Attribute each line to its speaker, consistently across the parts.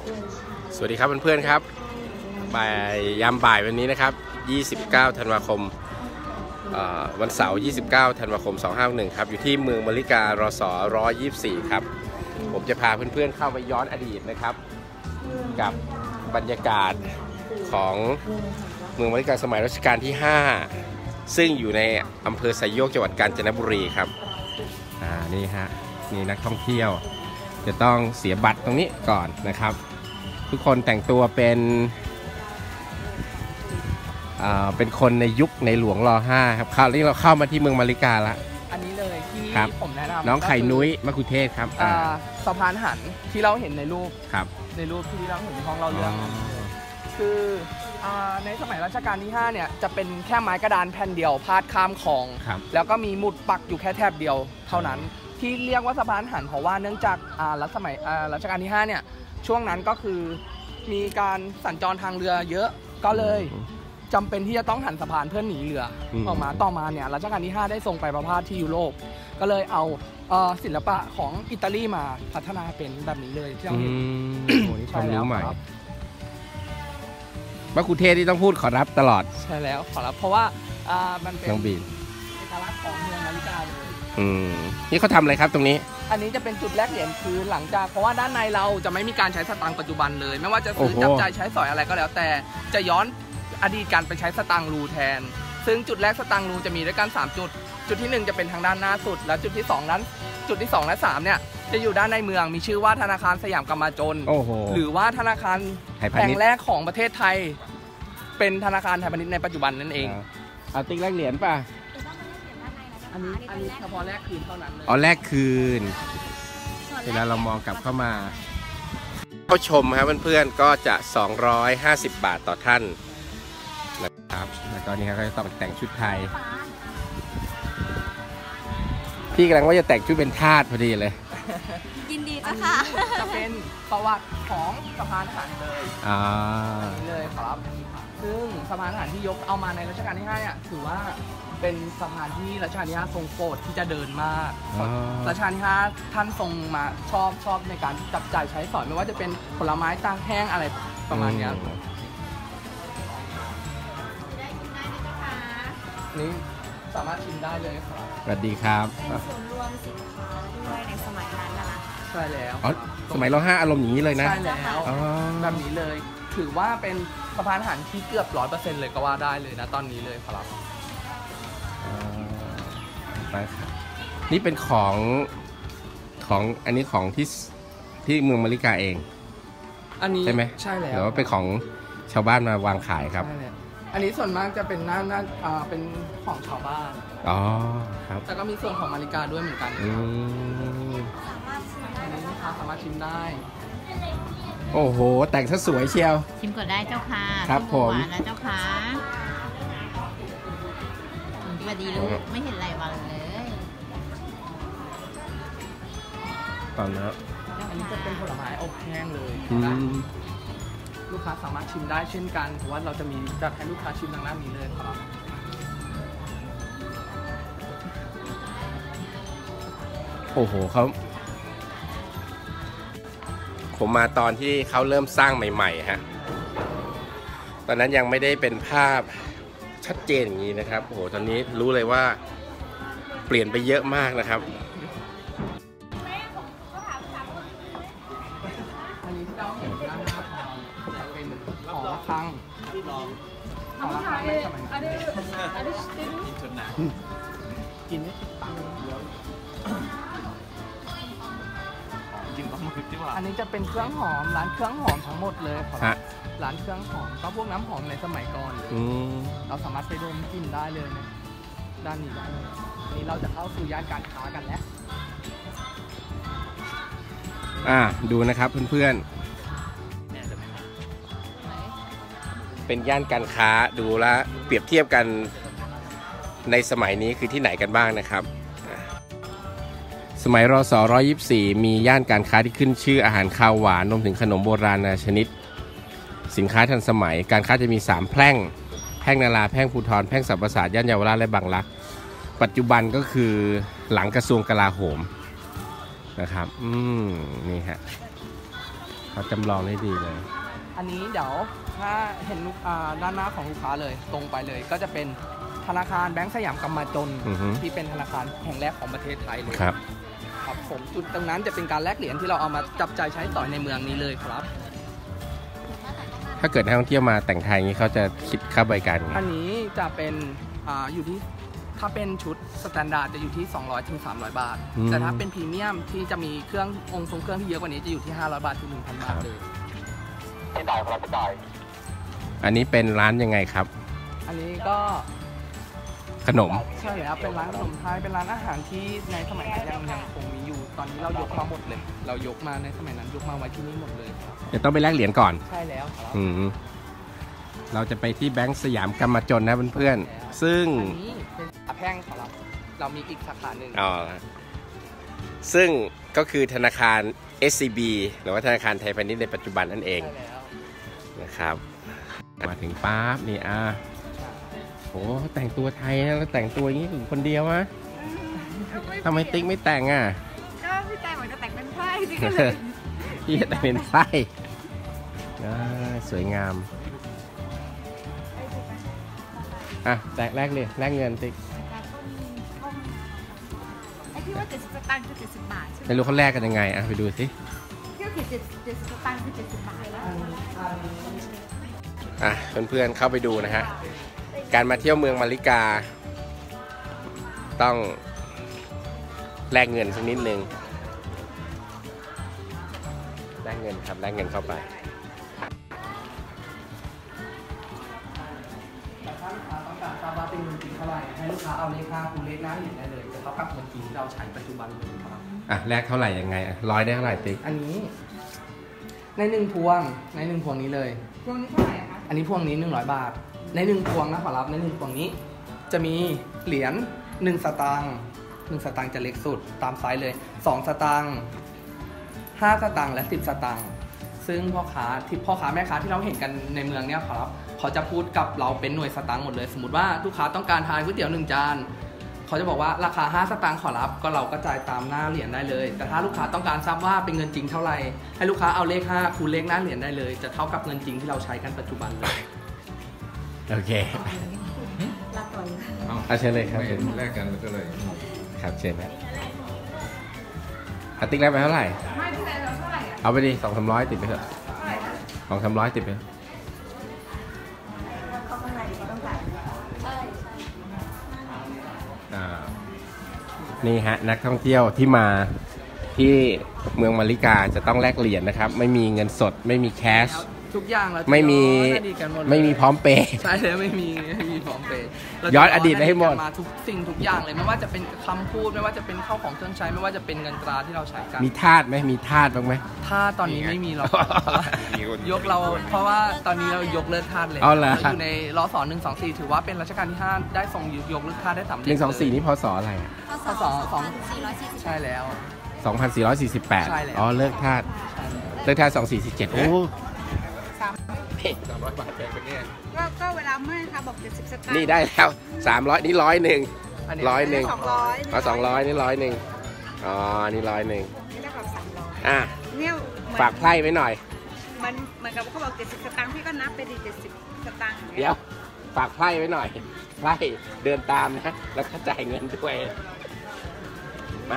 Speaker 1: สวัสดีครับเพื่อนๆครับยามบ่ายวันนี้นะครับ29ธันวาคมวันเสาร์29ธันวาคม2561ครับอยู่ที่เมืองมะลิการส124ครับผมจะพาเพื่อนๆเข้าไปย้อนอดีตนะครับกับบรรยากาศของเมืองมะลิกาสมัยรัชกาลที่5ซึ่งอยู่ในอำเภอไซโยกจังหวัดกาญจนบุรีครับนี่ฮะนี่นักท่องเที่ยวจะต้องเสียบัตรตรงนี้ก่อนนะครับทุกคนแต่งตัวเป็นคนในยุคในหลวงร.5ครับคราวนี้เราเข้ามาที่เมืองมะลิกาแล้ว
Speaker 2: อันนี้เลยที่ผมแนะนำ
Speaker 1: น้องไข่นุ้ยมะคุเทศครับ
Speaker 2: สะพานหันที่เราเห็นในรูป
Speaker 1: ครับ
Speaker 2: ในรูปที่เราเห็นในห้องเราเรื่องคือในสมัยรัชกาลที่5เนี่ยจะเป็นแค่ไม้กระดานแผ่นเดียวพาดข้ามคลองแล้วก็มีหมุดปักอยู่แค่แถบเดียวเท่านั้นที่เรียกว่าสะพานหันเพราะว่าเนื่องจากรัชกาลที่5เนี่ยช่วงนั้นก็คือมีการสัญจรทางเรือเยอะก็เลยจำเป็นที่จะต้องหันสะพานเพื่อหนีเรือออกมาต่อมาเนี่ยรัชกาลที่5ได้ส่งไปประพาสที่ยุโรปก็เลยเอาศิลปะของอิตาลีมาพัฒนาเป็นแบบนี้เลยที่เราเห็น
Speaker 1: ใช่แล้วครับมะคุเทศที่ต้องพูดขอรับตลอด
Speaker 2: ใช่แล้วขอรับเพราะว่ามันเป็น
Speaker 1: น้องบีน
Speaker 2: เอกลักษณ์ของเมืองมะลิกาเลย
Speaker 1: นี่เขาทำอะไรครับตรงนี้
Speaker 2: อันนี้จะเป็นจุดแลกเหรียญคือหลังจากเพราะว่าด้านในเราจะไม่มีการใช้สตางค์ปัจจุบันเลยไม่ว่าจะซื้อจับจ่ายใช้สอยอะไรก็แล้วแต่จะย้อนอดีตการไปใช้สตางค์รูแทนซึ่งจุดแรกสตางค์รูจะมีด้วยกัน3จุดที่1จะเป็นทางด้านหน้าสุดและจุดที่2และ3เนี่ยจะอยู่ด้านในเมืองมีชื่อว่าธนาคารสยามกำมะจนหรือว่าธนาคารแห่งแรกของประเทศไทยเป็นธนาคารไทยพาณิชย์ในปัจจุบันนั่นเอง
Speaker 1: เอาติ๊กแลกเหรียญป่ะ
Speaker 2: อันนี้เฉพาะแรกคืนเท่านั้นเลย
Speaker 1: แรกคืนเวลาเรามองกลับเข้ามาเข้าชมครับเพื่อนๆก็จะ250 บาทต่อท่านนะครับแล้วก็นี่ครับก็จะต้องแต่งชุดไทยพี่กำลังว่าจะแต่งชุดเป็นทาสพอดีเลย
Speaker 3: ยินดีจ้ะค่ะ
Speaker 2: จะเป็นประวัติของสะพานหันเลยครับซึ่งสะพานหันที่ยกเอามาในรัชกาลที่5เนี่ยถือว่าเป็นสะพานที่รัชกาลที่5ทรงโปรดที่จะเดินมากรัชกาลที่5ท่านทรงมาชอบในการจับจ่ายใช้สอยไม่ว่าจะเป็นผลไม้ตากแห้งอะไรประมาณนี้นี่สามารถชิมได้เลยครับ
Speaker 1: สวัสดีครับ
Speaker 3: เป็นส่วนรวมสินค้าด้วยในสมัยนั้นนะคะ
Speaker 2: ใช่แล้ว
Speaker 1: สมัยร.5อารมณ์อย่างนี้เลยนะ
Speaker 2: ใช่แล้วแบบนี้เลยถือว่าเป็นสะพานหันที่เกือบ 100% เลยก็ว่าได้เลยนะตอนนี้เลยครับ
Speaker 1: ไปครับนี่เป็นของอันนี้ของที่เมืองมะลิกาเอง
Speaker 2: อันนี้
Speaker 1: ใช่ไหม
Speaker 2: ใช่แล้ว
Speaker 1: หรือว่าเป็นของชาวบ้านมาวางขายครับ
Speaker 2: อันนี้ส่วนมากจะเป็นเป็นของชาวบ้าน
Speaker 1: ครับ
Speaker 2: แต่ก็มีส่วนของมะลิกาด้วยเหมือนกันอันนี้ลูกค้าสามารถชิมได้
Speaker 1: โอ้โหแต่งซะสวยเชียว
Speaker 3: ชิมก่อนได้เจ้าค่ะ
Speaker 1: ครับผม
Speaker 3: นะเจ้าค่ะสวัสดีลูกไม่เห็นไรวันเลย
Speaker 1: ตอนนี้
Speaker 2: อันนี้จะเป็นผลไม้อบแห้งเลยลูกค้าสามารถชิมได้เช่นกันเพราะว่าเราจะมีจัดให้ลูกค้าชิมทางด้านนี้เลยครับ
Speaker 1: โอ้โหผมมาตอนที่เขาเริ่มสร้างใหม่ๆฮะตอนนั้นยังไม่ได้เป็นภาพชัดเจนอย่างนี้นะครับโอ้โหตอนนี้รู้เลยว่าเปลี่ยนไปเยอะมากนะครับ
Speaker 2: อันนี้ที่เราเห็นด้านหน้าจะเป็นหอระฆังหอระฆังในสมัยนั้นกินไม่ติดปากอันนี้จะเป็นเครื่องหอมร้านเครื่องหอมทั้งหมดเลยครับร้านเครื่องหอมก็พวกน้ำหอมในสมัยก่อนเราสามารถไปดมกลิ่นได้เลยนะด้านนี้ได้เลยนี้เราจะเข้าสู่ย่านการค้ากันแล้ว
Speaker 1: ดูนะครับเพื่อนๆเป็นย่านการค้าดูแลเปรียบเทียบกันในสมัยนี้คือที่ไหนกันบ้างนะครับสมัยร.ศ. 124มีย่านการค้าที่ขึ้นชื่ออาหารคาวหวานรวมถึงขนมโบราณนานาชนิดสินค้าทันสมัยการค้าจะมี3แพร่งแพร่งนาราแพร่งภูธรแพร่งสัมปราสาทย่านเยาวราชและบางรักปัจจุบันก็คือหลังกระทรวงกลาโหมนะครับนี่ฮะเขาจำลองได้ดีเลย
Speaker 2: อันนี้เดี๋ยวถ้าเห็นด้านหน้าของลูกค้าเลยตรงไปเลย ก็จะเป็นธนาคารแบงก์สยามกำมะจนที่เป็นธนาคารแห่งแรกของประเทศไทยเลย
Speaker 1: ครับ
Speaker 2: ผมจุดตรงนั้นจะเป็นการแลกเหรียญที่เราเอามาจับจ่ายใช้ต่อในเมืองนี้เลยครับ
Speaker 1: ถ้าเกิดนักท่องเที่ยวมาแต่งไทยนี้เขาจะคิดค่าบริการไง
Speaker 2: อันนี้จะเป็นอยู่ที่ถ้าเป็นชุดสแตนดาร์ดจะอยู่ที่200 ถึง 300 บาทแต่ถ้าเป็นพรีเมียมที่จะมีเครื่องทรงเครื่องที่เยอะกว่านี้จะอยู่ที่500 บาทถึง 1,000 บาทเลย
Speaker 1: ไม่ได้ครับไม่ได้อันนี้เป็นร้านยังไงครับ
Speaker 2: อันนี้ก็
Speaker 1: ขนม
Speaker 2: ใช่แล้วเป็นร้านขนมไทยเป็นร้านอาหารที่ในสมัยนั้นยังคงมีอยู่ตอนนี้เรายกมาหมดเลยเรายกมาในสมัยนั้นยกมาไว้ที่นี่หมดเลย
Speaker 1: เดี๋ยวต้องไปแลกเหรียญก่อน
Speaker 2: ใช่แล้วครับ
Speaker 1: เราจะไปที่แบงก์สยามกำมะจนนะเพื่อนๆซึ่ง
Speaker 2: อันนี้เป็นสาแพ่งของเรามีอีกสาขาหนึ่ง
Speaker 1: ซึ่งก็คือธนาคาร SCB หรือว่าธนาคารไทยพาณิชย์ในปัจจุบันนั่นเองนะครับมาถึงปั๊บนี่โอ้แต่งตัวไทยนะแล้วแต่งตัวอย่างนี้ถึงคนเดียววะทำไมติ๊กไม่แต่งอ่ะ
Speaker 3: ก็พี่แต่งเหมือนจะแต่งเป็นไพร่จริงๆเลย
Speaker 1: พี่แต่งเป็นไพร่สวยงามแต่แลกเลยแลกเงินติ๊ก
Speaker 3: ไอ้ที่ว่า70 สตางค์คือ70 บาทใช่ไหม
Speaker 1: ไม่รู้เขาแลกกันยังไงไปดูสิ
Speaker 3: ที่ว่า70 สตางค์คือ70 บาท
Speaker 1: แล้วเพื่อนๆเข้าไปดูนะฮะการมาเที่ยวเมืองมาริกาต้องแลกเงินสักนิดนึงแลกเงินครับแลกเงินเข้าไป
Speaker 2: ถ้าลูกค้าต้องการทราบว่าเป็นเงินจริงเท่าไหร่ให้ลูกค้าเอาเลขค่าคูณเลขหน้าเหรียญได้เลยจะเท่ากับเงินจริงที่เราใช้ปัจจุบันเลยครับ
Speaker 1: แลกเท่าไหร่ยังไง100ได้เท่าไหร่ติ๊ก
Speaker 2: อันนี้ใน1 พวงนี้เลย
Speaker 3: พวงนี้เท่าไหร่คะ
Speaker 2: อันนี้พวงนี้100 บาทใน1 พวงนะขอรับใน1 พวงนี้จะมีเหรียญ1 สตางค์1 สตางค์จะเล็กสุดตามไซส์เลย2 สตางค์5 สตางค์และ10 สตางค์ซึ่งพ่อค้าแม่ค้าที่เราเห็นกันในเมืองเนี่ยครับเขาจะพูดกับเราเป็นหน่วยสตางค์หมดเลยสมมติว่าลูกค้าต้องการทานก๋วยเตี๋ยว1 จานเขาจะบอกว่าราคา5 สตางค์ขอรับก็เราก็จ่ายตามหน้าเหรียญได้เลยแต่ถ้าลูกค้าต้องการทราบว่าเป็นเงินจริงเท่าไหร่ให้ลูกค้าเอาเลข5คูณเลขหน้าเหรียญได้เลยจะเท่ากับเงินจริงที่เราใช้กันปัจจุบันเลย
Speaker 1: โอเค
Speaker 3: รับก่อน
Speaker 1: เชิญเลยครับ
Speaker 4: เห็นแลกกันก็เลย
Speaker 1: ครับเชิญนะติ๊กแลกไปเท่าไหร่
Speaker 3: ไม่ที่ไหนเราเท่าไหร่
Speaker 1: เอาไปดิ200-300ติดไปเถอะ200-300ติดไป
Speaker 3: เขาข้างในเขาต้องจ่ายใช่
Speaker 1: นี่ฮะนักท่องเที่ยวที่มาที่เมืองมาริกาจะต้องแลกเหรียญนะครับไม่มีเงินสดไม่มีแคช
Speaker 2: ทุกอย่าง
Speaker 1: ไม่มีพร้อมเปย์
Speaker 2: ใช่เลยไม่มีพร้อมเปย์
Speaker 1: ย้อนอดีตให้หมด
Speaker 2: มาทุกสิ่งทุกอย่างเลยไม่ว่าจะเป็นคำพูดไม่ว่าจะเป็นข้าวของเครื่องใช้ไม่ว่าจะเป็นเงินตราที่เราใช้กัน
Speaker 1: มีทาสไหมมีทาสบ้างไหม
Speaker 2: ทาสตอนนี้ไม่มีหรอกยกเราเพราะว่าตอนนี้เรายกเลิกทาสเลย
Speaker 1: เรา
Speaker 2: อยู่ในรศ124ถือว่าเป็นรัชกาลที่5ได้ทรงยกเลิกทาสได้สำเร็จ
Speaker 1: 124นี่พศอะไร
Speaker 3: พศ2440
Speaker 2: ใช่แล้ว
Speaker 1: 2448เลิกทาส2447โอ้
Speaker 4: 300 บาทแพงเป็นเนี่ย
Speaker 3: ก็เวลาเมื่อค่ะบอก70 สตางค์
Speaker 1: นี่ได้แล้ว300นี่100 200นี่100นี่100นี่100
Speaker 3: นี่เท่ากับ300
Speaker 1: เนี่ยฝากไพ่ไว้หน่อย
Speaker 3: มันเหมือนกับเขาบอก70 สตางค์พี่ก็นับไปดิ70 สตางค์
Speaker 1: เดี๋ยวฝากไพ่ไว้หน่อยไพ่เดินตามนะแล้วก็จ่ายเงินด้วยมา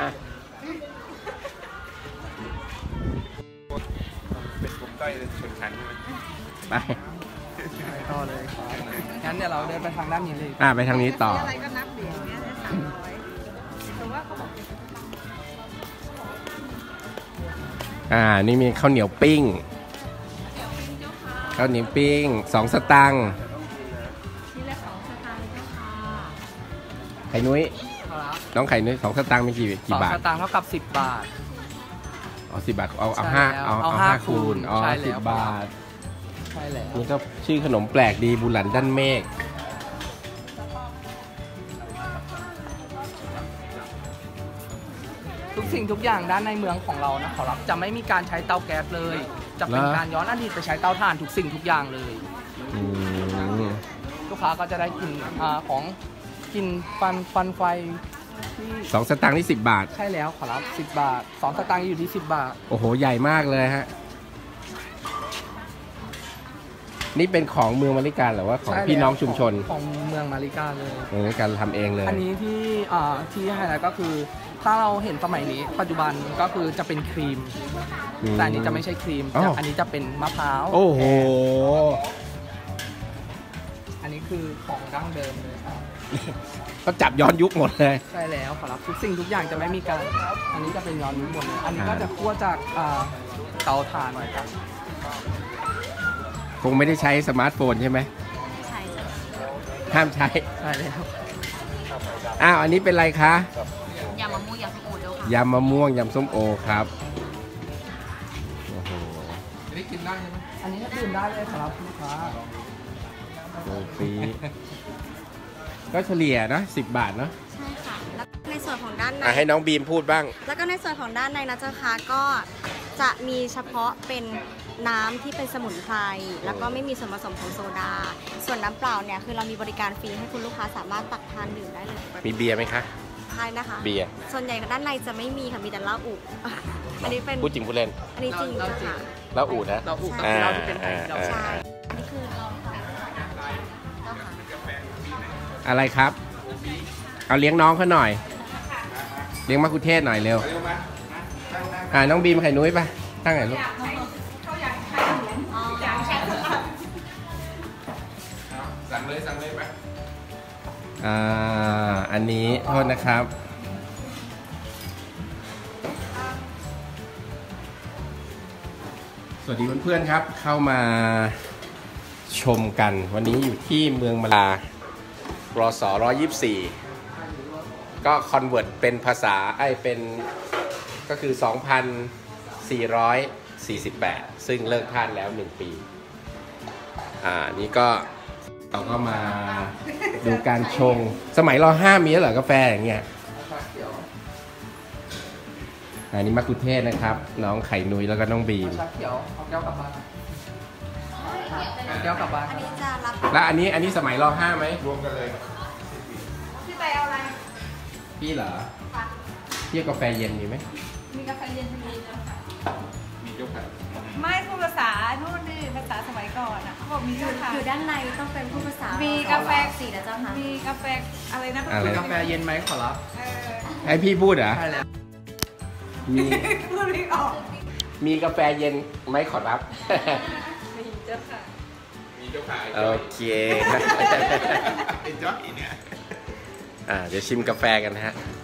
Speaker 4: เป็นกลุ่มต้อยชนชั้น
Speaker 1: ไป
Speaker 2: ต่อเลยงั้นเดี๋ยวเราเดินไปทางด้านนี้เลย
Speaker 1: ไปทางนี้ต่อ
Speaker 3: อะไรก็นับเหรียญเนี่ย300แต่ว่าเขา
Speaker 1: บอกนี่มีข้าวเหนียวปิ้งข้าวเหนียวปิ้ง2 สตางค์
Speaker 3: ชิ้นละ2 สตางค์เจ้าค่ะ
Speaker 1: ไข่นุ้ยน้องไข่นุ้ย2 สตางค์มีกี่บาท
Speaker 2: 2 สตางค์เท่ากับ10 บาท
Speaker 1: 10 บาทเอา5 คูณ10 บาท
Speaker 2: ใช่แล้ว
Speaker 1: นี่ก็ชื่อขนมแปลกดีบุหลันด้านเมฆ
Speaker 2: ทุกสิ่งทุกอย่างด้านในเมืองของเรานะขอรับจะไม่มีการใช้เตาแก๊สเลยจะเป็นการย้อนอดีตไปใช้เตาถ่านทุกสิ่งทุกอย่างเลยลูกค้าก็จะได้กินของกินฟันไฟ
Speaker 1: 2 สตางค์นี่10 บาท
Speaker 2: ใช่แล้วขอรับ10 บาท2 สตางค์อยู่ที่10 บาท
Speaker 1: โอ้โหใหญ่มากเลยฮะนี่เป็นของเมืองมาริกาหรือว่าของ
Speaker 2: ใช่แล้ว
Speaker 1: พี่น้องชุมชน
Speaker 2: ของเมืองมาริกาเลย
Speaker 1: การทำเองเลย
Speaker 2: อันนี้ที่ไฮไลท์ก็คือถ้าเราเห็นสมัยนี้ปัจจุบันก็คือจะเป็นครีม แต่อันนี้จะไม่ใช่ครีม
Speaker 1: อ๋อ
Speaker 2: อันนี้จะเป็นมะพร้าว
Speaker 1: โอ้โห
Speaker 2: อันนี้คือของดั้งเดิมเลยครับ
Speaker 1: ก็จับย้อนยุคหมดเลย
Speaker 2: ใช่แล้วขอรับทุกสิ่งทุกอย่างจะไม่มีการอันนี้จะเป็นย้อนยุคหมดเลยอันนี้ก็จะคั่วจากเตาถ่านนะครับ
Speaker 1: คงไม่ได้ใช้สมาร์ทโฟนใช่ไหม
Speaker 3: ใช่จ้ะ
Speaker 1: ห้ามใช้
Speaker 2: ใช่แล้ว
Speaker 1: อ้าว อันนี้เป็นอะไรคะ
Speaker 3: ยำมะม่วงยำส้มโอเจ้าค่ะ
Speaker 1: ยำมะม่วง ยำส้มโอครับ โอ้โห
Speaker 4: อันนี้กินได้ใช่ไหม
Speaker 2: อันนี้ดื่มได้เลยครับลูกค้า
Speaker 1: โอ้ฟรีก็เฉลี่ยนะ10 บาทเนาะ
Speaker 5: ใช่ค่ะ แล้วในส่วนของด้านใน
Speaker 1: ให้น้องบีมพูดบ้าง
Speaker 5: แล้วก็ในส่วนของด้านในนะเจ้าค่ะก็จะมีเฉพาะเป็นน้ำที่เป็นสมุนไพรแล้วก็ไม่มีส่วนผสมของโซดา ส่วนน้ำเปล่าเนี่ยคือเรามีบริการฟรีให้คุณลูกค้าสามารถตักทานดื่มได้เลย
Speaker 1: มีเบียร์ไหมคะ
Speaker 5: ใช่นะคะ
Speaker 1: เบียร์
Speaker 5: ส่วนใหญ่ด้านในจะไม่มีค่ะมีแต่เหล้าอุอันนี้เป็น
Speaker 1: พูดจริงพูดเล่น
Speaker 5: อันนี้จริง
Speaker 2: เหล้า
Speaker 5: เจ้า
Speaker 2: จริง
Speaker 5: ค่ะ
Speaker 1: แล้วอูดนะ
Speaker 2: เราอุก
Speaker 5: ใช่
Speaker 2: เราที่เป็นไทยเรา
Speaker 5: ใช่อันนี้คือเราเจ้าค่ะ
Speaker 1: อะไรครับ เอาเลี้ยงน้องเขาหน่อย เลี้ยงมะคุเทศหน่อยเร็ว น้องบีมไข่นุ้ยปะตั้งไหนลูก
Speaker 4: สั่งเลยไหม
Speaker 1: อันนี้โทษนะครับ สวัสดีเพื่อนๆครับ เข้ามาชมกัน วันนี้อยู่ที่เมืองมะลารศ124 ก็คอนเวิร์ตเป็นภาษาเป็นก็คือ 2,448 ซึ่งเลิกทานแล้ว 1 ปี นี่ก็เราก็มาดูการชง สมัยร5มีแล้วเหรอกาแฟอย่างเงี้ย อันนี้มะกุเทศนะครับ น้องไข่นุ้ยแล้วก็น้องบีม
Speaker 2: ชาเขียวเอาแก้วกลับบ้านเอาแก้วกลับบ้าน
Speaker 5: อันนี้จะรับ
Speaker 1: แล้วอันนี้สมัยร5ไหม
Speaker 4: รวมกันเลย
Speaker 3: พี่ไปเอาอะไร
Speaker 1: พี่เหรอพี่เอากาแฟเย็นมีไหม
Speaker 3: มีกาแฟเย็นมีเจ้าค่ะ
Speaker 4: มีเจ้าค่ะ
Speaker 3: ไม่พูดภาษานู่นนี่ภาษาสมัยก่อนอ่ะเขาบอกมีเจ้าค่ะ
Speaker 5: อยู่ด้านในต้องเป็นผู้ภาษา
Speaker 3: มีกาแฟ
Speaker 5: สีนะเจ้าค่ะ
Speaker 3: มีกาแฟอะไรนะ
Speaker 1: อะไร
Speaker 2: กาแฟเย็นไหมขอรับ
Speaker 3: เออ
Speaker 1: ให้พี่พูดเหรอ
Speaker 2: ใช่แล้ว
Speaker 1: มี
Speaker 3: พูดไม่ออก
Speaker 1: มีกาแฟเย็นไหมขอรับ
Speaker 3: มีเจ้าค่ะ
Speaker 4: มีเจ้าค่ะ
Speaker 1: โอเค
Speaker 4: ไอ้จ้อยเนี่ย
Speaker 1: เดี๋ยวชิมกาแฟกันนะฮะ